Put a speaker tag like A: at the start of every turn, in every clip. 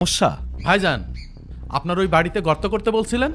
A: সমস্যা?
B: ভাইজান, আপনার ওই বাড়িতে গর্ত করতে বলছিলেন?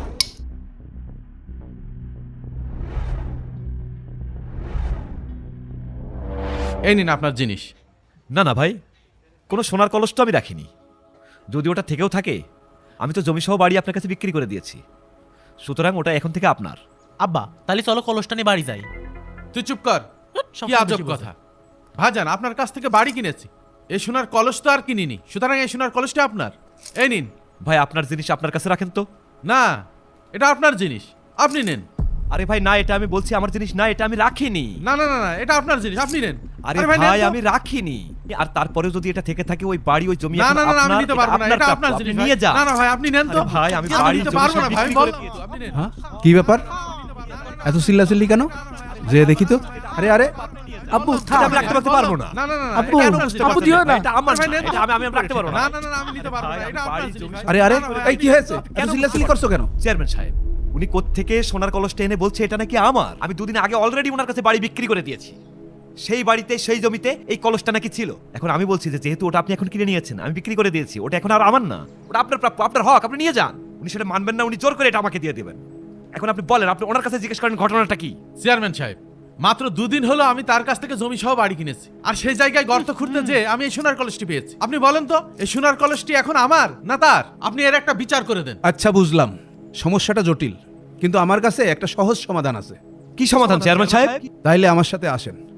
B: এই নিন আপনার জিনিস।
A: না না ভাই, কোনো সোনার কলস তো আমি রাখিনি। যদি ওটা থেকেও থাকে, আমি তো জমিসহ বাড়ি আপনার কাছে বিক্রি করে দিয়েছি, সুতরাং ওটা এখন থেকে আপনার।
C: আব্বা তাহলে চলো কলসটা নিয়ে বাড়ি যাই।
B: তুই চুপ কর,
C: সব
B: কি আজব কথা। ভাইজান, আপনার কাছ থেকে বাড়ি কিনেছি, এই সোনার কলস তো আর কিনিনি, সুতরাং এই সোনার কলসটা আপনার। এই নিন।
A: ভাই আপনার জিনিস আপনার কাছে রাখেন তো।
B: না, এটা আপনার জিনিস, আপনি নেন।
A: আরে ভাই না, এটা আমি বলছি আমার জিনিস না, এটা আমি রাখিনি।
B: না না না না, এটা আপনার জিনিস, আপনি নেন।
A: আরে
B: নেন
A: ভাই
B: তো।
A: আমি রাখিনি। আর তারপরেও যদি এটা থেকে থাকে, ওই বাড়ি ওই জমি
B: না
A: এখন
B: না না না, আমি
A: আপনার,
B: নিতে পারবো না, এটা
A: প্রাপ্য,
B: আপনার
A: আপনি
B: জিনিস।
A: নিয়ে
B: ভাই।
A: যান।
B: না না ভাই, আপনি নেন তো।
A: আরে ভাই, আমি
B: আমি
A: বাড়ি
B: নিতে
A: জমি
B: পারবো
A: সব
B: না ভাই,
A: বিক্রি
B: বল।
A: করে দিয়েছি।
B: আপনি নেন।
D: হ্যাঁ, কি ব্যাপার? এত চিল্লাচিল্লি কেন? যে দেখি তো। আরে আরে আব্বু
A: এটা আমি রাখতে পারবো না।
B: না না না না,
D: আব্বু,
B: এটা আপনার জিনিস।
D: আব্বু দিও না।
A: এটা আমার
B: ভাই,
A: না,
B: নেন তো।
A: এটা আমি রাখতে পারবো না।
B: না না না না, আমি নিতে পারবো না, এটা আপনার জিনিস। ভাই।
D: আরে আরে
B: না, না, ভাই,
D: এই কি হয়েছে? কেন চিল্লাচিল্লি করছো কেন?
A: চেয়ারম্যান সাহেব, উনি কোত্থেকে সোনার কলসটা এনে বলছে এটা নাকি আমার। আমি দুদিন আগে অলরেডি ওনার কাছে বাড়ি বিক্রি করে দিয়েছি। সেই বাড়িতে সেই জমিতে এই কলসটা নাকি ছিল। এখন আমি বলছি যে যেহেতু ওটা আপনি এখন কিনে নিয়েছেন, আমি বিক্রি করে দিয়েছি, ওটা এখন আর আমার না, ওটা আপনার প্রাপ্য, আপনার হক, আপনি নিয়ে যান। উনি সেটা মানবেন না, উনি জোর করে এটা আমাকে দিয়ে দেবেন। এখন আপনি বলেন, আপনি ওনার কাছে জিজ্ঞেস করেন ঘটনাটা কি।
B: চেয়ারম্যান সাহেব, মাত্র দুদিন হলো আমি তার কাছ থেকে জমি সহ বাড়ি কিনেছি, আর সেই জায়গায় গর্ত খুঁড়তে যে আমি এই সোনার কলসটি পেয়েছি। আপনি বলেন তো, এই সোনার কলসটি এখন আমার না তার? আপনি এর একটা বিচার করে দেন।
D: আচ্ছা বুঝলাম, সমস্যাটা জটিল, কিন্তু আমার কাছে একটা সহজ সমাধান আছে।
A: কি সমাধান চেয়ারম্যান সাহেব?
D: তাইলে আমার সাথে আসেন।